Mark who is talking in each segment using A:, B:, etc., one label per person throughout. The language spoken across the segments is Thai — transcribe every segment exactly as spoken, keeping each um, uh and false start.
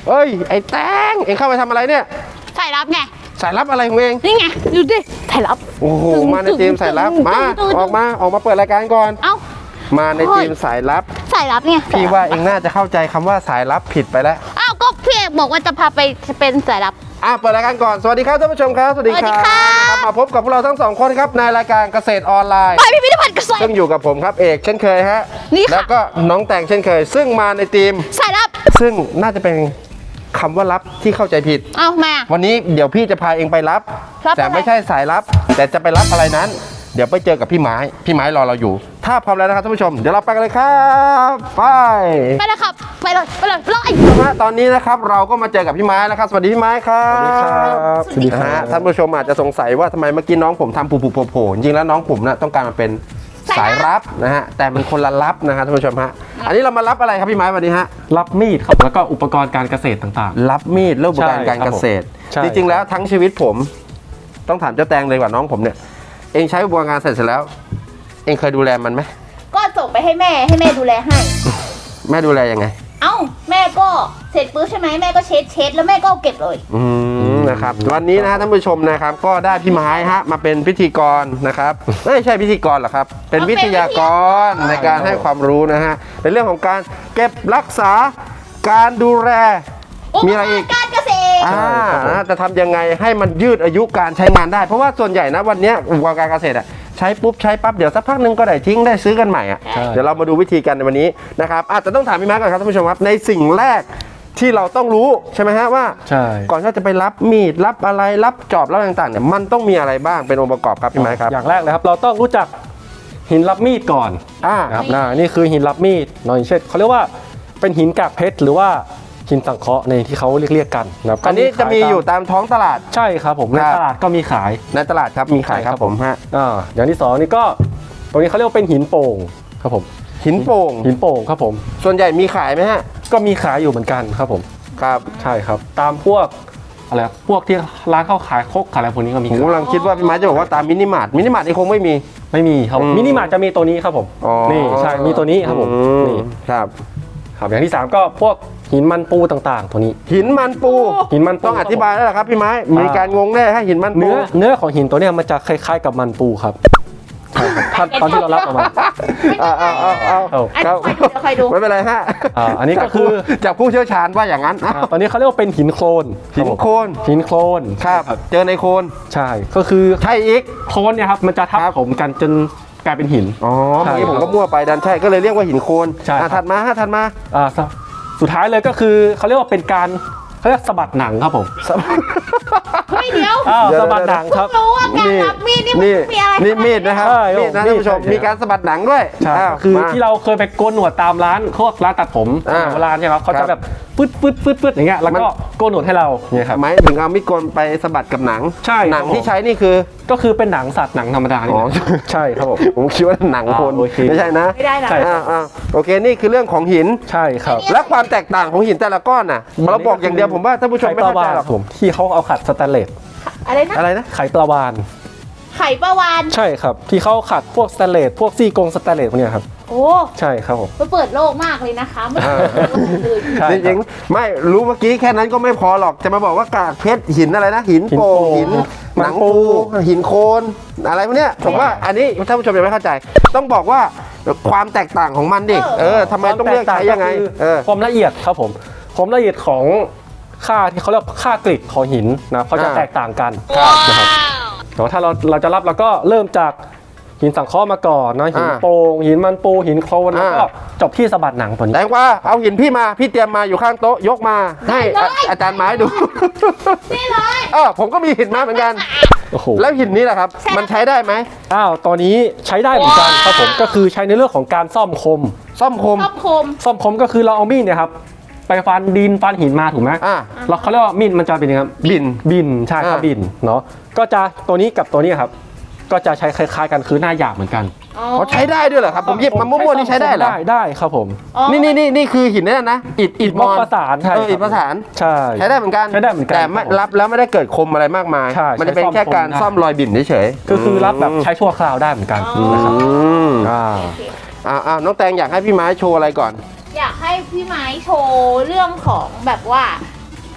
A: เอ้ยไอ้แตงเอ็งเข้าไปทำอะไรเนี่ย
B: สายลับไง
A: สายลับอะไรของเอง
B: นี่ไงดูดิสายลับ
A: โอ้โหมาในทีมสายลับมาออกมาออกมาเปิดรายการก่อน
B: เอ้า
A: มาในทีมสายลับ
B: สายลับไง
A: พี่ว่าเอ็งน่าจะเข้าใจคำว่าสายลับผิดไปแล้ว
B: อ้าวก็พี่เอกบอกว่าจะพาไปเป็นสายลับ
A: อ่ะเปิดรายการก่อนสวัสดีครับท่านผู้ชมครับสวัสดีครับมาพบกับพวกเราทั้งสองคนครับในรายการเกษตรออนไลน์
B: ไปพิพิธภัณฑ์เกษตร
A: ซึ่งอยู่กับผมครับเอกเช่นเคยฮะ
B: นี่ค่ะ
A: แล้วก็น้องแตงเช่นเคยซึ่งมาในทีม
B: สายลับ
A: ซึ่งน่าจะเป็นคำว่าลับที่เข้าใจผิด
B: เอ้ามา
A: วันนี้เดี๋ยวพี่จะพาเองไปรับแต่ไม่ใช่สายลับแต่จะไปรับอะไรนั้นเดี๋ยวไปเจอกับพี่ไม้พี่ไม้รอเราอยู่ถ้าพร้อมแล้วนะครับท่านผู้ชมเดี๋ยวเราไปกันเลยครับไป
B: ไปเลยครับไปเลยไปเลยไล่
A: ตอนนี้นะครับเราก็มาเจอกับพี่ไม้แล้วครับสวัสดีพี่ไม้ครับสวัสดีครับสวัสดีครับท่านผู้ชมอาจจะสงสัยว่าทำไมเมื่อกี้น้องผมทำผูๆโผล่ๆจริงแล้วน้องผมนะต้องการมาเป็นสายรับนะฮะแต่มันคนละรับนะครับท่านผู้ชมฮะอันนี้เรามารับอะไรครับพี่ไม้วันนี้ฮะ
C: รับมีดครับแล้วก็อุปกรณ์การเกษตรต่าง
A: ๆรับมีดและอุปกรณ์การเกษตรจริงๆแล้วทั้งชีวิตผมต้องถามเจ้าแตงเลยกว่าน้องผมเนี่ยเองใช้อุปกรณ์การเกษตรเสร็จแล้วเองเคยดูแลมันไหม
B: ก็ส่งไปให้แม่ให้แม่ดูแลให้
A: แม่ดูแลยังไง
B: เอ้าแม่ก็เสร็จปุ๊บใช่ไหมแม่ก็เช็ดเช็ดแล้วแม่ก็เก็บเลย
A: อืมนะครับวันนี้นะฮะท่านผู้ชมนะครับก็ได้พี่ไม้ฮะมาเป็นพิธีกรนะครับไม่ใช่พิธีกรหรอกครับเป็นวิทยากรในการให้ความรู้นะฮะเป็นเรื่องของการเก็บรักษาการดูแลมีอะไรอีก
B: การเกษตร
A: อ่าจะทำยังไงให้มันยืดอายุการใช้งานได้เพราะว่าส่วนใหญ่นะวันนี้อุปกรณ์การเกษตรอ่ะใช้ปุ๊บใช้ปั๊บเดี๋ยวสักพักนึงก็ได้ทิ้งได้ซื้อกันใหม่อ่ะเดี๋ยวเรามาดูวิธีกันในวันนี้นะครับอาจจะต้องถามพี่ไม้ก่อนครับท่านผู้ชมครับในสิ่งแรกที่เราต้องรู้ใช่ไหมฮะว่าก่อนที่จะไปรับมีดรับอะไรรับจอบรับต่างๆเนี่ยมันต้องมีอะไรบ้างเป็นองค์ประกอบครับพี่ไม้ครับ
C: อย่างแรกเลยครับเราต้องรู้จักหินรับมีดก่อน
A: อ่า
C: ครับนี่คือหินรับมีดเนาะอย่างเช่นเขาเรียกว่าเป็นหินกากเพชรหรือว่าหินสังเคราะห์ในที่เขาเรียกเรียกกันนะครับ
A: อันนี้จะมีอยู่ตามท้องตลาด
C: ใช่ครับผมในตลาดก็มีขาย
A: ในตลาดครับมีขายครับผมฮะ
C: อ่าอย่างที่สองนี่ก็ตรงนี้เขาเรียกว่าเป็นหินโป่งครับผม
A: หินโป่ง
C: หินโป่งครับผม
A: ส่วนใหญ่มีขายไหมฮะ
C: ก็มีขายอยู่เหมือนกันครับผม
A: ครับ
C: ใช่ครับตามพวกอะไรพวกที่ร้านข้าวขายคกขายอะไรพวกนี้ก็มี
A: ผมกำลังคิดว่าพี่ไม้จะบอกว่าตามมินิมาร์ทมินิมาร์ทนี่คงไม่มี
C: ไม่มีครับมินิมาร์ทจะมีตัวนี้ครับผมนี่ใช่มีตัวนี้ครับผมนี่
A: ครับ
C: ครับอย่างที่สามก็พวกหินมันปูต่างๆตัวนี้
A: หินมันปู
C: หินมัน
A: ต้องอธิบายแล้วล่ะครับพี่ไม้มีการงงแน่ให้หินมันปู
C: เนื้อเนื้อของหินตัวนี้มันจะคล้ายๆกับมันปูครับตอนที่เรารับออกมา
A: เอาเอาเอาเอาครับไม่เป็นไรฮะ
C: อันนี้ก็คือ
A: จากผู้เชี่ยวชาญว่าอย่างนั้น
C: ตอนนี้เขาเรียกว่าเป็นหินโคลน
A: หินโคลน
C: หินโคลน
A: ครับเจอในโคลน
C: ใช่ก็คือ
A: ใช่อีก
C: โคลนเนี่ยครับมันจะทับถมกันจนกลายเป็นหิน
A: อ๋อเมื่อกี้ผมก็มั่วไปดันใช่ก็เลยเรียกว่าหินโคลนถัดมาฮะถัดมา
C: อ่าสุดท้ายเลยก็คือเขาเรียกว่าเป็นการเขาเรียกสะบัดหนังครับผม
B: ไม่เดียว
C: สะบัดหนังครับ
B: รู้ว่าการรับมีดนี่มันมีอะไร
A: นี่มีดนะครับมีดนะท่านผู้ชมมีการสะบัดหนังด้วย
C: คือที่เราเคยไปโกนหนวดตามร้านพวกร้านตัดผมโบราณใช่ไหมเขาจะแบบฟึดฟึดฟึดฟึดอย่างเงี้ยแล้วก็โกนหนวดให้เราเนี่ยครับ
A: หมายถึงเอามีดโกนไปสะบัดกับหนัง
C: ใช่
A: หนังที่ใช้นี่คือ
C: ก็คือเป็นหนังสัตว์หนังธรรมดา
A: อ๋อ
C: ใช่ครับผม
A: ผมคิดว่าหนังคนไม่ใช่นะ
B: ไม่ได้นะ
A: โอเคนี่คือเรื่องของหิน
C: ใช่ครับ
A: และความแตกต่างของหินแต่ละก้อนน่ะเราบอกอย่างเดียวผมว่าท่านผู้ชมไม่เข้าใจหรอก
C: ผมที่เขาเอาขัดสแตนเลส
B: อะไรนะ
A: อะไรนะ
C: ไข่ปลาวาน
B: ไข่ปลาวาน
C: ใช่ครับที่เขาขัดพวกสแตนเลสพวกซี่กงสแตนเลสพวกนี้ครับ
B: โอ้
C: ใช่ครับผม
B: ไปเปิดโลกมากเลยนะคะไม่
A: จริงๆไม่รู้เมื่อกี้แค่นั้นก็ไม่พอหรอกจะมาบอกว่ากากเพชรหินอะไรนะหินโป่งหินหนังปูหินโคนอะไรพวกนี้ผมว่าอันนี้ท่านผู้ชมยังไม่เข้าใจต้องบอกว่าความแตกต่างของมันดิเออทำไมต้องเรียกใช้ยังไง
C: ความละเอียดครับผมความละเอียดของค่าที่เขาเรียกค่ากริดของหินนะเขาจะแตกต่างกันนะครับแต่ว่าถ้าเราเราจะรับเราก็เริ่มจากหินสังเคราะห์มาก่อนนะหินโป่งหินมันปูหินโคลนแล้วก็จบที่สะบัดหนังตัวนี้
A: แต่ว่าเอาหินพี่มาพี่เตรียมมาอยู่ข้างโต๊ะยกมาให้อาจารย์ไม้ดู
B: นี่เลย
A: เออผมก็มีหินมาเหมือนกันแล้วหินนี้แหละครับมันใช้ได้ไหม
C: อ้าวตอนนี้ใช้ได้เหมือนกันครับผมก็คือใช้ในเรื่องของการซ่อมคม
A: ซ่อมคม
B: ซ่อมคม
C: ซ่อมคมก็คือเราเอามีดเนี่ยครับไปฟันดินฟันหินมาถูกไหมอ่าแล้วเขาเรียกว่ามีดมันจะเป็นยังไง
A: บิน
C: บินใช่ครับบินเนาะก็จะตัวนี้กับตัวนี้ครับก็จะใช้คล้ายๆกันคือหน้าหยาบเหมือนกัน
A: เขาใช้ได้ด้วยเหรอครับผมหยิบมามั่วๆนี่ใช้ได้เหรอ
C: ได้ได้ครับผม
A: นี่นี่นี่นี่คือหินนั่นนะอิฐอิฐมอน
C: ประสานใช่
A: อิฐประสาน
C: ใช่
A: ใช้ได้เหมือนกัน
C: ใช้ได้เหมือนกัน
A: แต่ไม่รับแล้วไม่ได้เกิดคมอะไรมากมายมันจะเป็นแค่การซ่อมรอยบิ่นเฉย
C: ๆก็คือรับแบบใช้ชั่วคราวได้เหมือนกันนะครับ
A: อ่าอ่าน้องแตงอยากให้พี่ไม้โชว์อะไรก่อน
B: อยากให้พี่ไม้โชว์เรื่องของแบบว่า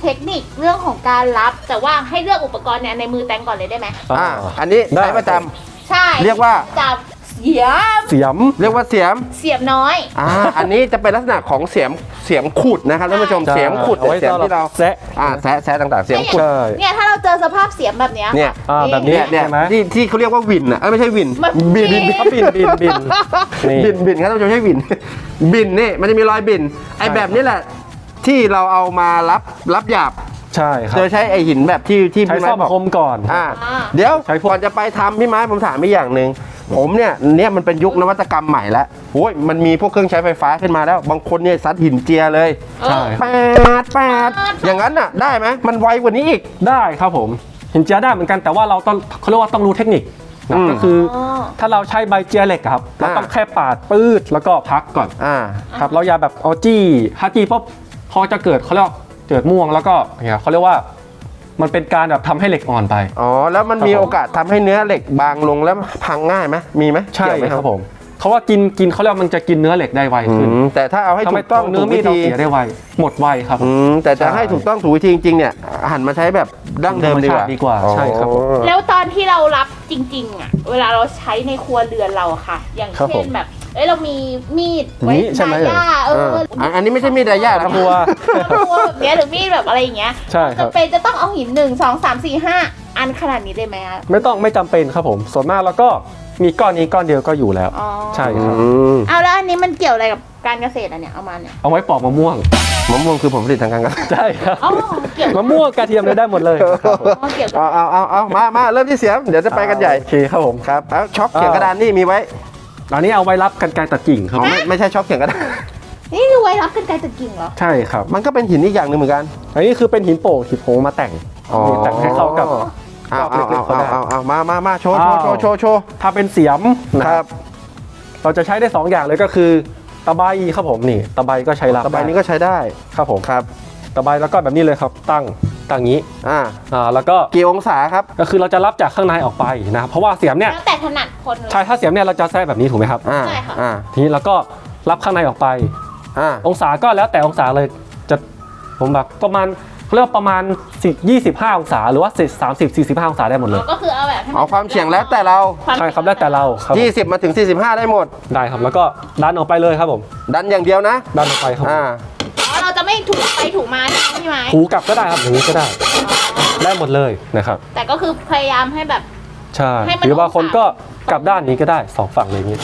B: เทคนิคเรื่องของการรับ แต่ว่าให้เลือกอุปกรณ์เนี่ยในมือแตงก่อนเลยได้ไหม
A: อ่าอันนี้
C: ได้
A: ใช้ประจำ
B: ใช่
A: เรียกว่า
B: จับเสียม
C: เสียม
A: เรียกว่าเสียม
B: เสียมน้อย
A: อ่า อันนี้จะเป็นลักษณะของเสียมเสียมขุดนะครับท่านผู้ชม
C: ใช่
A: เสียมขุด
C: เอาไว้
A: เสียมที่เรา
C: แซะ
A: อ่าแซะแซะต่างๆ เสียมขุด
C: ใช่
B: เนี่ยถ้าเราเจอสภาพเสียมแบบเนี้ย
A: เนี่ย
C: อ่าแบบนี้
A: เนี่ยเนี่ย
C: ใช่ไหม
A: ที่ที่เขาเรียกว่าวินอ่ะเอ้ยไม่ใช่วิน
B: มัน
A: บิน
B: บิ
A: บิน
B: น
C: เขาบินบินบินนี่
A: บินบินครับท่านผู้ชมใช่บิน บินนี่มันจะมีรอยบิน ไอ้แบบนี้แหละ ที่เราเอามารับรับหยาบ
C: ใช่ครับ
A: โดยใช้ไอ้หินแบบที่ที่
C: ใช้
A: พี่ไม้
C: ซ่อม
A: บอก
C: คมก่อน
A: อ่า
B: อ่า
A: เดี๋ยว
C: ใช้พวก
A: ก่อนจะไปทำพี่ไม้ผมถามอีกอย่างหนึ่งผมเนี่ยเนี่ยมันเป็นยุคนวัตกรรมใหม่แล้วโอ้ยมันมีพวกเครื่องใช้ไฟฟ้าขึ้นมาแล้ว บางคนเนี่ยซัดหินเจียเลย
C: ใช่
A: แปดแปดอย่างนั้นน่ะได้ไหมมันไวกว่านี้อีก
C: ได้ครับผมหินเจียได้เหมือนกันแต่ว่าเราต้องเขาเรียกว่าต้องรู้เทคนิคนะ
A: อืม
C: ก็คืออ
B: อ
C: ถ้าเราใช้ใบเจียเหล็กอะครับเรา
A: อ่า
C: ต้องแค่ปาดปืดแล้วก็พักก่อน
A: อ่า
C: ครับเราอย่าแบบเอาจี้ถ้าจี้ปุ๊บพอจะเกิดเขาเรียกว่าเกิดม่วงแล้วก็เนี่ยเขาเรียกว่ามันเป็นการแบบทำให้เหล็กอ่อนไป
A: อ๋อแล้วมันมีโอกาสทำให้เนื้อเหล็กบางลงแล้วพังง่ายไหมมีไหม
C: ใช่
A: เกี่ยวไหม
C: ครับผมเขาว่ากินกินเขาเรียกว่ามันจะกินเนื้อเหล็กได้ไว
A: อื
C: ขึ้น
A: มแต่ถ้าเอาให้
C: ทำ
A: ถู
C: ให้
A: กต้อง
C: เนื้
A: ถู
C: อก มี
A: วิ
C: ดเรา
A: ธี
C: เสียได้ไวหมดไวครับ
A: อืมแต่จะ
C: ใช่
A: ให้ถูกต้องถูกวิธีจริงๆเนี่ยหันมาใช้แบบดั้งเดิมดีกว่า
C: ธรรมชาติดีกว่าใช่ครับผม
A: อ๋อ
B: แล้วตอนที่เรารับจริงๆอ่ะ เวลาเราใช้ในครัวเรือนเราอะค่ะ อย่าง
C: ครับ
B: เช่
C: ผ
B: น
C: ม
B: แบบ เอ้ยเรามีมีดไว้
C: นี่ใช่ไหม
B: ดาย่าเอ
A: เอ
B: อ
A: ออันอันนี้ไม่ใช่มีดดายานะ
C: ครัว
B: ครัวแบบเนี้ยหรือมีดแบบอะไรอย่างเงี้ย
C: ใช่ครับ
B: จำเป็นจะต้องเอาหินหนึ่งสองสามสี่ห้าอันขนาดนี้ได้ไหมอะ
C: ไม่ต้องไม่จำเป็นครับผมส่วนมากแล้วก็มีก้อนนี้ก้อนเดียวก็อยู่แล้ว
B: อ๋อ
C: ใช่ครับ
A: อืม
B: เอาแล้วอันนี้มันเกี่ยวอะไรกับการเกษตรอะเนี่ยเอามาเนี่ย
C: เอาไว้ปอกมะม่วง
A: มะม่วงคือผลผลิตทางการเกษตร
C: ใช่ครับ
B: อ๋อเกี่ยว
C: มะม่วงกระเทียมเลยได้หมดเลยครับผม
B: อ๋อเกี่ยว
A: เอาเอาเอาเอามามาเริ่มที่เสียมเดี๋ยวจะไปกันใหญ่
C: โอเคครับผม
A: ครับเอาช็อคเขียงกระดานนี่มีไว้
C: อันนี้เอาไว้รับกันไกรตัดกิ่งครับ
A: อ๋อไม่ไม่ใช่ช็อคเขียงกระดาน
B: นี่คือไว้รับกันไกรตะกิ่งเหรอ
C: ใช่ครับ
A: มันก็เป็นหินอีกอย่างหนึ่งเหมือนกัน
C: อันนี้คือเป็นหินโป่งหินโผงมาแต่งมีแต่งให้เข้ากับ
A: เอาเอา
C: เล็กๆก็
A: เอา
C: ได้
A: เอาเอามามามาโชว์โชว์โชว์โชว์โชว์
C: ถ้าเป็นเสียมนะ
A: ค
C: ค
A: รั
C: รับ บเราจะใช้ได้สองอย่างเลยก็คือตะไบครับผมนี่ตะไบก็ใช้รับ
A: ตะไบนี้ก็ใช้ได้
C: ครับผม
A: ครับ
C: ตะไบแล้วก็แบบนี้เลยครับ ตั้งตั้งงี้
A: อ่า
C: อ่าแล้วก็
A: กี่องศาครับ
C: ก็คือเราจะรับจากข้างในออกไปนะครับเพราะว่าเสียมเนี่ย
B: แล้วแต่ถนัดคนเลย
C: ใช่ถ้าเสียมเนี่ยเราจะแทรกแบบนี้ถูกไหมครับ
A: อ่า
B: ใช่ค่ะ
A: อ่า
C: ทีนี้เราก็รับข้างในออกไป
A: อ่า
C: องศาก็แล้วแต่องศาเลยจะผมแบบประมาณเขาเรียกว่าประมาณ10 25 องศาหรือว่า30 45 องศาได้หมดเลย
B: ก็คือเอาแบบให้น
A: เอาความเฉียงแล้วแต่เรา
B: วาม
C: ใช่ครับแล้วแต่เราครับผม
A: ยี่สิบมาถึงสี่สิบห้าได้หมด
C: ได้ครับแล้วก็ดันออกไปเลยครับผม
A: ดันอย่างเดียวนะ
C: ดันออกไปครับผม
A: อ่า
B: อ๋อเราจะไม่ถูกไปถูกมาใช่ไหมพี่ไม้
C: ถูกลับก็ได้ครับอย่างนี้ก็ได้ได้หมดเลยนะครับ
B: แต่ก็คือพยายามให้แบบ
C: ใช่
B: ให้มัน
C: หรือบางคน
B: องศา
C: ก็กลับด้านนี้ก็ได้สองฝั่งเลยอย่างนี้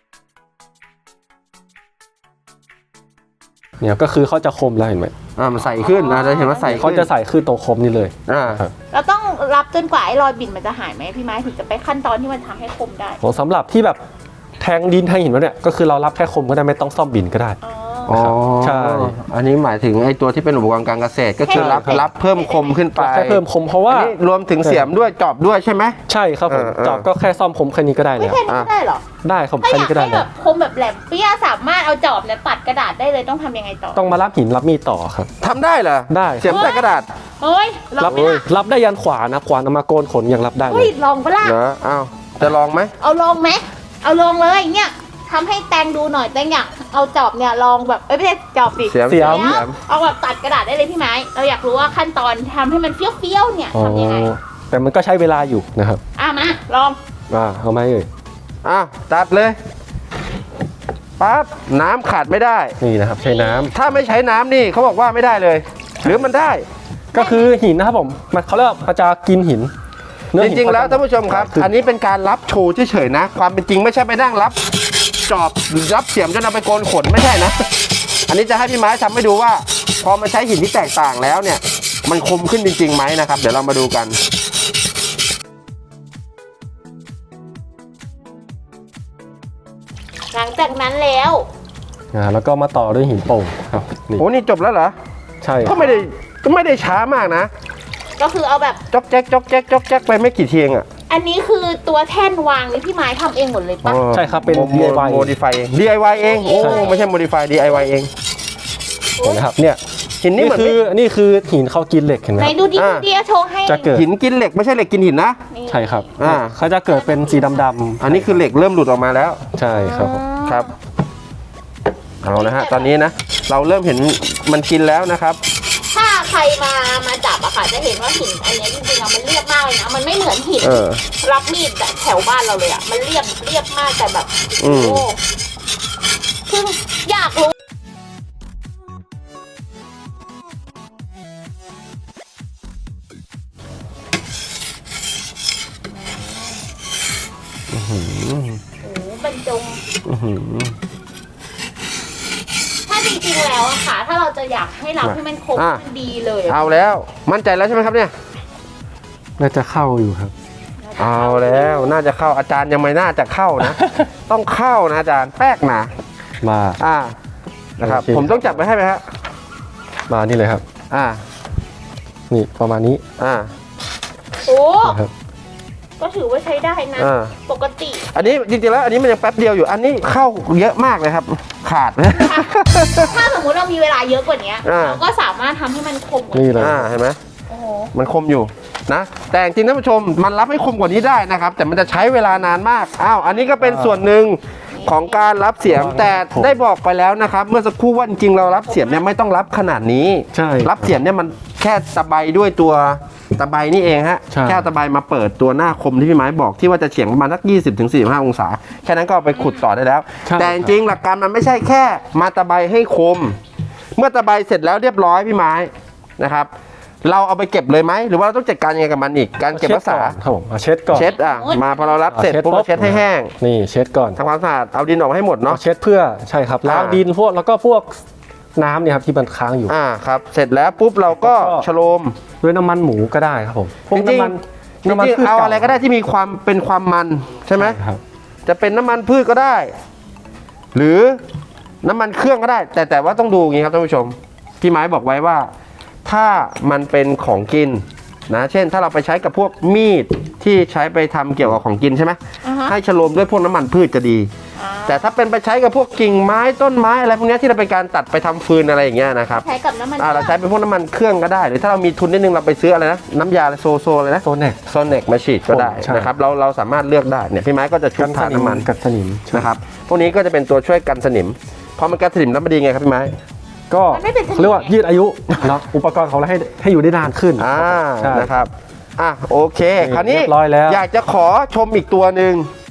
C: เนี่ยก็คือเขาจะคมแล้วเห็นไหม
A: อ่ามันใส่ขึ้นนะจะเห็นว่าใส่ขึ้น
C: เขาจะใส่ขึ้นตรงคมนี่เลย
A: อ่า
B: เราต้องรับจนกว่าไอ้รอยบิ่นมันจะหายไหมพี่ไม้ถึงจะไปขั้นตอนที่มันทำให้คมได้
C: ของสำหรับที่แบบแทงดินแทงหินแล้วเนี่ยก็คือเรารับแค่คมก็ได้ไม่ต้องซ่อมบินก็ได้
B: อ๋อ
A: อ๋อ
C: ใช่
A: อันนี้หมายถึงไอ้ตัวที่เป็นอุปกรณ์การเกษตรก็คือรับ
B: ให้
A: รับเพิ่มคมขึ้นไป
C: แค่เพิ่มคมเพราะว่า
A: อันนี้รวมถึงเสียมด้วยจอบด้วยใช่ไหม
C: ใช่ครับผม
A: เออเออ
C: จอบก็แค่ซ่อมคมแค่นี้ก็ได้
B: ไม่
C: แล้ว
B: แค่นี้ก็ได้เหรอ
C: ได้ครับ
B: ถ้า
C: แค่
B: อยาก
C: นี้ก็ได้
B: ให้แบ
C: แล้ว
B: บคมแบบแหลมเปี้ยสามารถเอาจอบเนี่ยตัดกระดาษได้เลยต้องทำยังไงต่อ
C: ต้องมารับหินรับมีดต่อครับ
A: ทำได้เหรอ
C: ได้
A: เสียมใส่กระดาษ
B: เฮ้ยลอ
C: รั
B: งไหมล่ะ
C: รับได้ยันขวานะขวานเอามาโกนขนยังรับได้เล
B: เฮ้ย
C: ย
B: ลองปะล่ะ
A: เหรออ้าวจะลองไหม
B: เอาลองไหมเอาลองเลยเนี่ยทำให้แตงดูหน่อยแตงอยากเอาจอบเนี่ยลองแบบเอ้ยไม่ใช่จอบสิ
A: เสียม
C: เสียม
B: เดี๋ยวเอาแบบตัดกระดาษได้เลยพี่ไม้เราอยากรู้ว่าขั้นตอนทำให้มันเฟี้ยวๆเนี่ย
C: อ๋อ
B: ทำยังไง
C: แต่มันก็ใช้เวลาอยู่นะครับ
B: อ่ะมาลอง
C: อ่าเอาไหมเอ่ย
A: อ้าวตัดเลยปั๊บน้ำขาดไม่ได้
C: นี่นะครับใช้น้ำ
A: ถ้าไม่ใช้น้ำนี่เขาบอกว่าไม่ได้เลย หรือมันได้
C: ก็คือหินนะครับผมมันเขาเรียกว่ามันจะกินหินเนื้อ
A: จ
C: หิน
A: ริงๆ แล้ว
C: เขจะ
A: ท่านผู้ชมครับ
C: ขึ้น
A: อันนี้เป็นการรับโชว์เฉยๆนะ ความเป็นจริงไม่ใช่ไปนั่งรับจอบรับเสียมจนเอาไปโกนขนไม่ใช่นะ อันนี้จะให้พี่ไม้ทำให้ดูว่า พอมาใช้หินที่แตกต่างแล้วเนี่ย มันคมขึ้นจริงๆไหมนะครับ เดี๋ยวเรามาดูกัน
B: หลังจากนั้นแล้ว
C: อ่าแล้วก็มาต่อด้วยหินโป่งครับนี่
A: โอ้นี่จบแล้วเหรอ
C: ใช่
A: ก็ไม่ได้ก็ไม่ได้ช้ามากนะ
B: ก็คือเอาแบบ
A: จอกแจ๊กจอกแจ๊กจอกแจ๊กไปไม่กี่เทียงอ่ะ
B: อันนี้คือตัวแท่นวางนี่พี่ไม้ทำเองหมดเลยปะ
C: ใช่ครับเป็น
A: โม
C: ดี ไอ วาย
A: โมดิฟายเอง ดี ไอ วาย เอง โอ้
C: ใช่
A: ไม่ใช่ modify ดี ไอ วาย เอง
C: เห็นไหมครับเนี่ย
A: หินนี่
C: นี่
A: เหมือน
C: คือนี่คือหินเขากินเหล็กเห็นไหม
B: ไหน
C: ครับ
B: ดูดิ
A: อ่า
B: ดูดิโชว์ให้
C: จะเกิด
A: หินกินเหล็กไม่ใช่เหล็กกินหินนะ
B: นี่
C: ใช่ครับ
A: อ่า
C: เขาจะเกิดเป็นสีดำๆ
A: อันนี้คือเหล็กเริ่มหลุดออกมาแล้ว
C: ใช่ครับผม
A: ครับ เอานะฮะ ตอนนี้นะ เราเริ่มเห็นมันกินแล้วนะครับ
B: ถ้าใครมามาจับอะค่ะจะเห็นว่าหินอันเนี้ยจริงๆอะมันเรียบมากเลยนะมันไม่เหมือนหิน
A: เออ
B: รับมีดแบบแถวบ้านเราเลยอะมันเรียบเรียบมากแต่แบบ
A: อื
B: โอ้
A: ม
B: เพิ่งอยากรู้โอ้โหบรรจง
A: อื้อหือ
B: ถ้าจริงๆแล้วอะค่ะ ถ้าเราจะอยากให้รับให้มันคม
A: อ่ะ
B: มันดีเลยอะ
A: เอาแล้วมั่นใจแล้วใช่ไหมครับเนี่ย
C: น่าจะเข้าอยู่ครับ
A: เอาแล้วน่าจะเข้าอาจารย์ยังไม่น่าจะเข้านะ ต้องเข้านะอาจารย์แป๊กนะ
C: มา
A: อ่านะครับ
C: โอเค
A: ผมต้องจับไปให้ไหมฮะ
C: มานี่เลยครับ
A: อ่า
C: นี่ประมาณนี้
A: อ่า
B: โอ้
C: นะครับ
B: ก็ถือว่าใช้ได้นะ
A: อ่า
B: ปกติ
A: อันนี้จริงๆแล้วอันนี้มันยังแป๊บเดียวอยู่อันนี้เข้าเยอะมากเลยครับ ขาด
B: ถ้าสมมุติเรามีเวลาเยอะกว่านี้
A: อ่า
B: เราก็สามารถทำให้มันคมกว่า
C: นี่
B: นี้
C: เลย
A: อ่าเห็นไหม
B: โอ้โห
A: มันคมอยู่นะ แต่จริงๆท่านผู้ชมมันรับให้คมกว่านี้ได้นะครับ แต่มันจะใช้เวลานานมากอ้าวอันนี้ก็เป็นส่วนหนึ่งของการรับเสียมแต่ได้บอกไปแล้วนะครับ เมื่อสักครู่ว่าจริงๆเรารับเสียมเนี่ยไม่ต้องรับขนาดนี้
C: ใช่
A: รับเสียมเนี่ยมันแค่ตะไบด้วยตัวตะไบนี่เองฮะ
C: ใช่
A: แค่ตะไบมาเปิดตัวหน้าคมที่พี่ไม้บอกที่ว่าจะเฉียงประมาณสักยี่สิบถึงสี่สิบห้าองศาแค่นั้นก็เอาไปขุดต่อได้แล้ว
C: ใช่
A: แต่จริงๆหลักการมันไม่ใช่แค่มาตะไบให้คม เมื่อตะไบเสร็จแล้วเรียบร้อยพี่ไม้นะครับ เราเอาไปเก็บเลยไหมหรือว่าเราต้องจัดการยังไงกับมันอีกการเก็บรักษา
C: ครับผมเอาเช็ดก่อน
A: เช็ดอ่ะมาพอเรารับเสร็จปุ๊บเราเช็ดให้แห้ง
C: นี่เช็ดก่อน
A: ทำความสะอาดเอาดินออกมาให้หมดเนาะ
C: เอาเช็ดเพื่อใช่ครับล้าง
A: อ่า
C: ดินพวกแล้วก็พวกน้ำเนี่ยครับที่มันค้างอยู่
A: อ่าครับเสร็จแล้วปุ๊บเราก็
C: แล้วก็
A: ชโลม
C: ด้วยน้ำมันหมูก็ได้ครับผมพวก
A: จริง
C: น้ำมัน
A: จริ
C: น้ำมัน
A: ง
C: พืช
A: ๆเอา
C: ก่
A: อะไรก็ได้ที่มีความเป็นความมันใช่ไหม
C: ครับ
A: จะเป็นน้ำมันพืชก็ได้ หรือน้ำมันเครื่องก็ได้ แต่แต่ว่าต้องดูอย่างนี้ครับท่านผู้ชมพี่ไม้บอกไว้ว่า ถ้ามันเป็นของกินนะเช่น ถ้าเราไปใช้กับพวกมีดที่ใช้ไปทำเกี่ยวกับของกินใช่ไหม
B: อ่าฮะ
A: ให้ฉโลมด้วยพวกน้ำมันพืชจะดี
B: อ่า
A: แต่ถ้าเป็นไปใช้กับพวกกิ่งไม้ต้นไม้อะไรพวกเนี้ยที่เราเป็นการตัดไปทำฟืนอะไรอย่างเงี้ยนะครับ
B: ใช้กับน้ำมัน
A: อ่าเราใช้เป็นพวกน้ำมันเครื่องก็ได้ หรือถ้าเรามีทุนนิดนึงเราไปซื้ออะไรนะน้ำยาอะไรโซโซอะไรนะ
C: โซเน็ก
A: โซเน็กมาฉีดก็ได้
C: ใช่
A: นะครับเราเราสามารถเลือกได้เนี่ยพี่ไม้ก็จะชุบทาน้ำมัน
C: กัดสนิม
A: นะครับพวกนี้ก็จะเป็นตัวช่วยกันสนิมพอมันกันสนิมแล้วมันดีไงครับพี่ไม้
C: ก็
B: มันไม่เป็นสนิม
C: เขาเรียกว่ายืดอายุเนาะอุปกรณ์ของเราให้ให้อยู่ได้นานขึ้น
A: อ่า
C: ใช่
A: นะครับอ่ะโอเค คราวนี้
C: เรียบร้อยแล้ว
A: อยากจะขอชมอีกตัวหนึ่ง